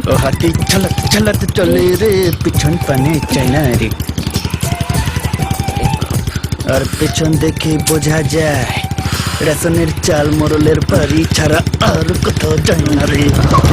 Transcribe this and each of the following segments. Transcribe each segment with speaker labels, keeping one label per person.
Speaker 1: ও হাতি ঝলক ঝলক চলে রে পিছন পানে চাইনা রে আর পেছন দেখে বোঝা যায় রেশনের চাল মোরলের বাড়ি ছাড়া আর কোথাও যায় না রে।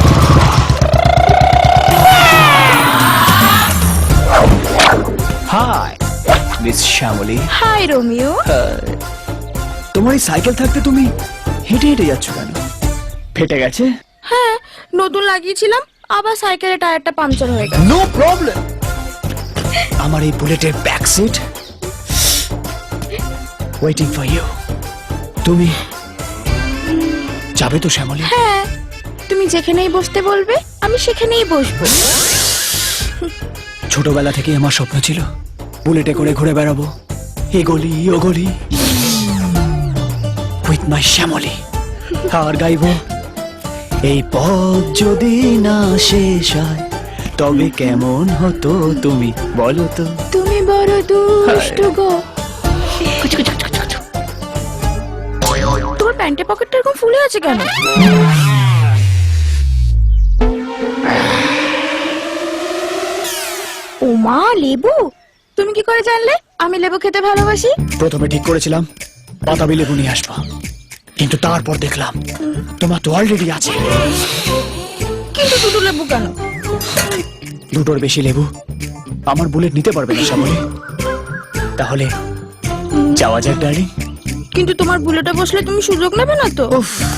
Speaker 1: Hi miss Shyamoli.
Speaker 2: Hi Romeo.
Speaker 1: তোমার এই সাইকেল থাকতে তুমি হেঁটে হেঁটে যাচ্ছ কেন? ফেটে গেছে?
Speaker 2: হ্যাঁ, নতুন লাগিয়েছিলাম, আবার সাইকেলের টায়ারটা পাংচার হয়ে গেছে।
Speaker 1: No problem. আমার এই বুলেটের back seat waiting for you. তুমি যাবে তো শ্যামলী?
Speaker 2: হ্যাঁ, তুমি যেখানেই বসতে বলবে আমি সেখানেই বসবো।
Speaker 1: ছোটবেলা থেকে আমার স্বপ্ন ছিল বুলেটে করে ঘুরে বেড়াবো এ গলি ও গলি উইথ মাই শ্যামলী। আর গাইবো এই পথ যদি না শেষ হয় তবে কেমন হতো তুমি বলো তো।
Speaker 2: তুমি বড় দুষ্টু গো। তোমার প্যান্টের পকেটটা এরকম ফুলে আছে কেন? ও মা, লেবু? তুমি কি করে জানলে আমি লেবু খেতে ভালোবাসি?
Speaker 1: প্রথমে ঠিক করেছিলাম বাতাবি লেবু নিয়ে আসবো, কিন্তু তারপর দেখলাম তোমার তো অলরেডি আছে।
Speaker 2: কিন্তু দুটো লেবু কেন?
Speaker 1: দুটোর বেশি লেবু আমার বুলেট নিতে পারবে না শ্যামলী। তাহলে যাওয়া যাক ডার্লিং।
Speaker 2: কিন্তু তোমার বুলেটে বসলে তুমি সুযোগ নেবে না তো?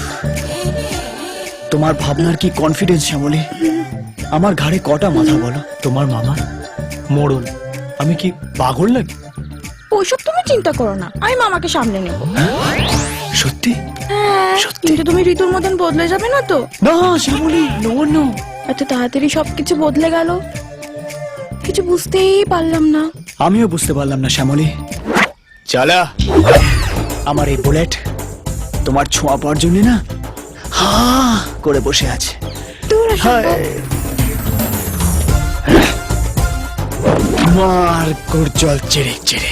Speaker 1: তোমার ভাবনার কি কনফিডেন্স শ্যামলী? আমার ঘাড়ে কটা মাথা বলো? তোমার মামা মোড়ল, আমি কি পাগল নাকি?
Speaker 2: ওইসব তুমি চিন্তা করো না, আমি মামাকে সামলে নেব।
Speaker 1: সত্যি?
Speaker 2: হ্যাঁ, কিন্তু তুমি ঋতুর মতন বদলে যাবে না তো?
Speaker 1: না শ্যামলী, নো নো।
Speaker 2: এত তাড়াতাড়ি সবকিছু বদলে গেল, কিছু বুঝতেই পারলাম না।
Speaker 1: আমিও বুঝতে পারলাম না শ্যামলী। চালা, আমার এই বুলেট তোমার ছোঁয়া পাওয়ার জন্য না হা করে বসে আছে। মার গুরজল চেরে চেরে।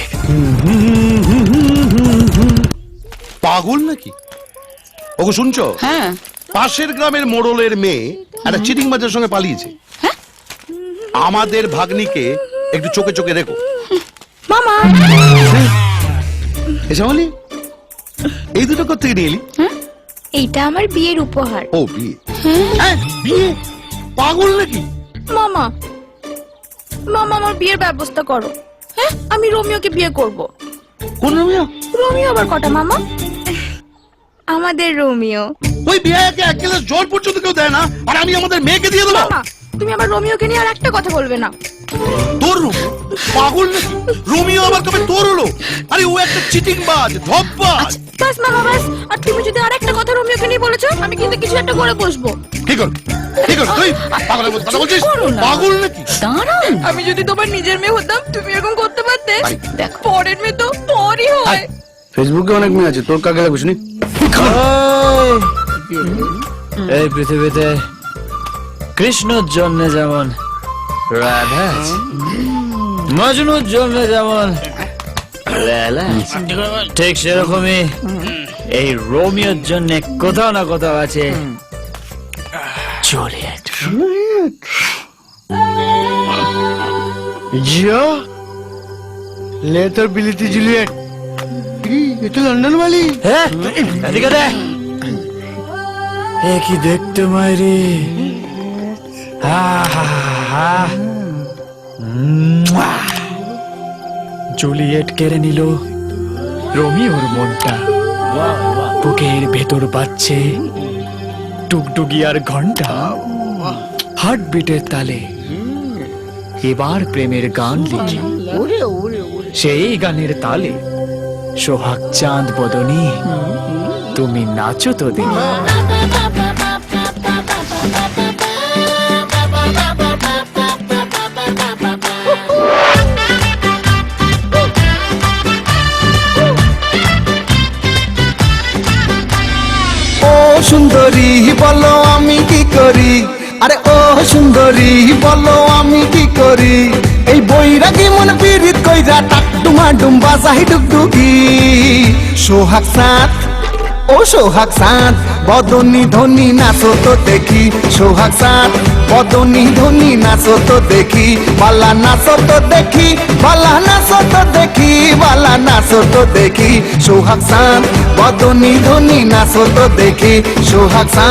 Speaker 3: পাগল নাকি? ওকে শুনছো?
Speaker 4: হ্যাঁ।
Speaker 3: পাশের গ্রামের মোড়লের মেয়ে একটা চিটিং বাজের সঙ্গে পালিয়েছে। আমাদের ভাগ্নিকে একটু চোখে চোখে রেখো।
Speaker 2: মামা,
Speaker 3: এসে বলি এই দুটো কোত্থেকে নিয়ে এলি?
Speaker 2: এইটা আমার বিয়ের উপহার।
Speaker 3: ও বিয়ে? হ্যাঁ বিয়ে? পাগল নাকি?
Speaker 2: মামা, মামা আমার বিয়ের ব্যবস্থা করো। হ্যাঁ, আমি রোমিওকে বিয়ে করব।
Speaker 3: কোন রোমিও?
Speaker 2: রোমিও আবার কটা মামা? আমাদের রোমিও।
Speaker 3: ওই বিয়েকে এক গ্লাস জল পর্যন্ত কেউ দেয় না, আর আমি আমাদের মেয়েকে দিয়ে দেবো?
Speaker 2: মামা, তুমি আবার রোমিওকে নিয়ে আর একটা কথা বলবে না।
Speaker 3: তোর রোমিও? পাগল নাকি? রোমিও আবার কবে তোর হলো? আরে ও একটা চিটিং বাজ, ধপ্পাজ।
Speaker 2: বাস মামা বাস, আর তুমি যদি আর একটা কথা রোমিওকে নিয়ে বলেছো আমি কিন্তু কিছু একটা করে বসবো।
Speaker 3: কি কর কি কর তুই? পাগলের মতো কথা বলছিস? পাগল নাকি?
Speaker 4: দাঁড়ান,
Speaker 2: আমি যদি তোমার নিজের মেয়ে হতাম তুমি এরকম করতে পারতে?
Speaker 4: দেখো
Speaker 2: পরের মেয়ে তো পরই হয়।
Speaker 3: ফেসবুকে অনেক মেয়ে আছে, তোর কাকে লাগবে শুনি?
Speaker 1: এই পৃথিবীতে কৃষ্ণর জন্য যেমন রাধা আছে, মজনুর জন্য যেমন লেলা আছে, ঠিক সেরকমই এই রোমিওর জন্য কোথাও না কোথাও আছে জুলিয়েট।
Speaker 5: जियो ले तो बिलिती जूलियट। ये तो लंदन वाली।
Speaker 1: হ্যাঁ এদিকে দে। এ কি দেখতে মাইরি, জুলিয়েট কেড়ে নিল রোমিওর মনটা। বুকের ভেতর বাজছে টুকটুকিয়ার ঘন্টা, হার্টবিটের তালে এবার প্রেমের গান লিখি। সেই গানের তালে সোহাগ চাঁদ বদনী তুমি নাচো তো দেখি।
Speaker 6: ও সুন্দরী বলো আমি কি করি, আরে ও সুন্দরী বলো আমি কি করি, এই বৈরাগী মন পীড়িত কইরা টাক ডুমা ডুম্বা চাহি ডুগডুগি। সোহাগ সাঁত ও সোহাগ সাঁত বদনী ধনী নাচো তো দেখি, সোহাগ সাঁত বদনী ধনী নাচো তো দেখি বালা নাচো তো দেখি বালা নাচো তো দেখি বালা নাচো তো দেখি সোহাগ চাঁদ বদনী ধনী নাচো তো দেখি সোহাগ চাঁদ